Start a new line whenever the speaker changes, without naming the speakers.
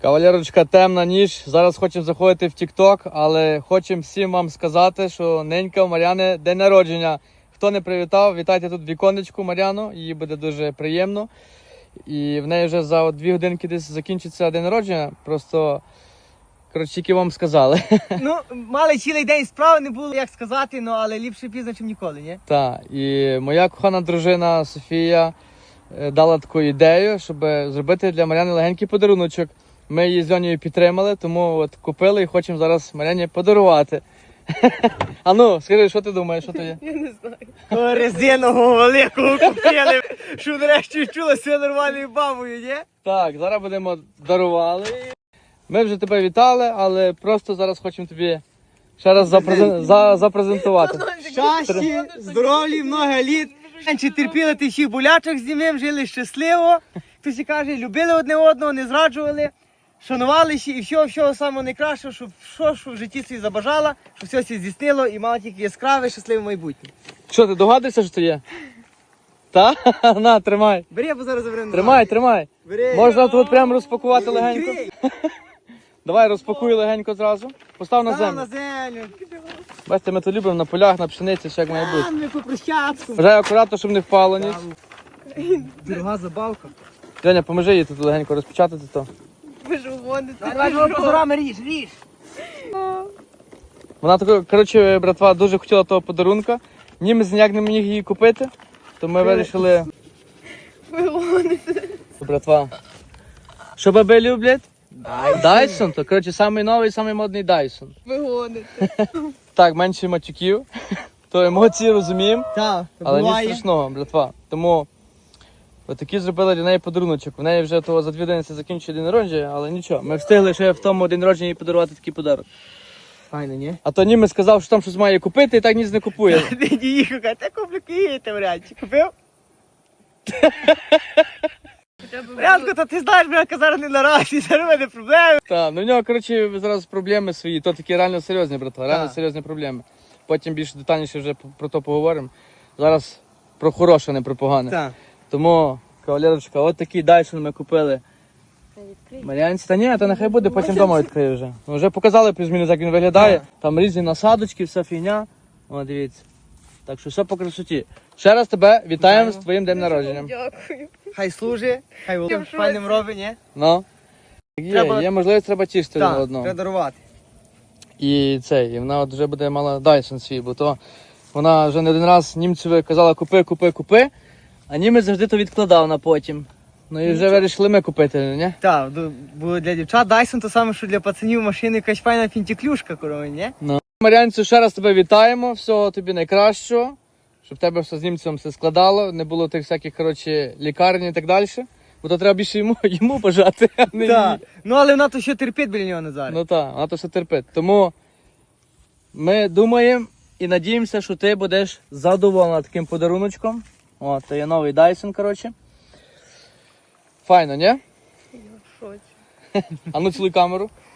Кавалерочка, темна ніч. Зараз хочемо заходити в TikTok, але хочемо всім вам сказати, що ненька у Мар'яни день народження. Хто не привітав, вітайте тут віконечку Мар'яну, їй буде дуже приємно. І в неї вже за 2 годинки десь закінчиться день народження. Просто, коротше, тільки вам сказали.
Ну, мали цілий день справи, не було як сказати, ну, але ліпше пізно, ніж ніколи, ні?
Так, і моя кохана дружина Софія дала таку ідею, щоб зробити для Мар'яни легенький подаруночок. Ми її з Льонією підтримали, тому от купили і хочемо зараз Мар'яні подарувати. А ну, скажи, що ти думаєш, що то є?
Я не знаю. Резинового великого купили, що нарешті чула себе нормальною бабою, ні?
Так, зараз будемо дарували. Ми вже тебе вітали, але просто зараз хочемо тобі ще раз запрезентувати.
Щастя, здоров'я, много літ. Чи терпіли ти всіх болячок з ним, жили щасливо. Хтось і каже, любили одне одного, не зраджували, шанувалися і всього самого найкращого, щоб що в житті собі забажала, щоб все все здійснило і мала тільки яскраве, щасливе майбутнє.
Що, ти догадуєшся, що це є? Та? На, тримай.
Бери, я зараз заберу.
Тримай.
Бери.
Можна тут прямо розпакувати легенько.
Відкрий.
Давай, розпакуй легенько зразу. Постав на
Там на
землю.
землю.
Бачите, ми то любимо на полях, на пшениці, все як має бути.
Там, по прощацьку.
Вважай акуратно, щоб не впало ніч.
Дорога забавка.
Женя, поможи їй тут легенько розпечатати то.
Ви ж угоните.
Давай позорами ріж.
Вона тако, коротше, братва, дуже хотіла того подарунка. Німець ніяк не міг її купити, то ми вирішили.
Ви угоните.
Братва. Що баби люблять? Дайсон, то коротше самий новий, самий модний Дайсон.
Ви гоните.
Так, менше матюків, то емоції розуміємо,
Так,
але ні
буває.
страшного, братва. Тому отакі зробили для неї подаруночок. В неї вже того за 2 години закінчує день народження, але нічого. Ми встигли ще в тому день народження їй подарувати такий подарунок.
Файно, ні?
А то німець сказав, що там щось має купити і так ніц не купує.
Ти не їхав, каже, та куплю Київ, варіанті. Купив? Порядку, то ти знаєш, бля, зараз не наразі, зараз в мене проблеми.
Так, ну в нього, коротше, зараз проблеми свої, то такі реально серйозні, братва, реально
Так.
серйозні проблеми. Потім більш детальніше вже про то поговоримо. Зараз про хороше, не про погане.
Так.
Тому, кавалерочка, от такий Дайсон ми купили. Мар'янці, та ні, та нехай буде, потім вдома відкрию вже. Ну, вже показали плюс-мінус, як він виглядає.
Так.
Там різні насадочки, вся фігня. О, дивіться. Так що все по красоті. Ще раз тебе вітаємо з твоїм днем народження.
Дякую.
Хай служить, хай володим
Що
файним робить, ні?
Ну.
Треба-
Є можливість, треба тішити один
Так,
одного.
треба дарувати.
І вона от вже буде мала Dyson свій, бо то вона вже не один раз німцеві казала купи, а німець завжди то відкладав на потім. Ну і вже вирішили ми купити, не?
Так, було для дівчат Dyson то саме, що для пацанів машини якась файна фінтіклюшка, корова, ні?
Ну. Мар'янцю, ще раз тебе вітаємо, всього тобі найкращого, щоб в тебе все з німцем все складало, не було тих всяких, коротше, лікарень і так далі. Бо то треба більше йому бажати, а не
Так.
їй.
Ну, але вона то ще терпить біля нього не зараз.
Ну так, вона то все терпить. Тому ми думаємо і надіємося, що ти будеш задоволена таким подаруночком. О, це є новий Dyson, коротше. Файно, ні?
Я в шоці.
А ну цілуй камеру.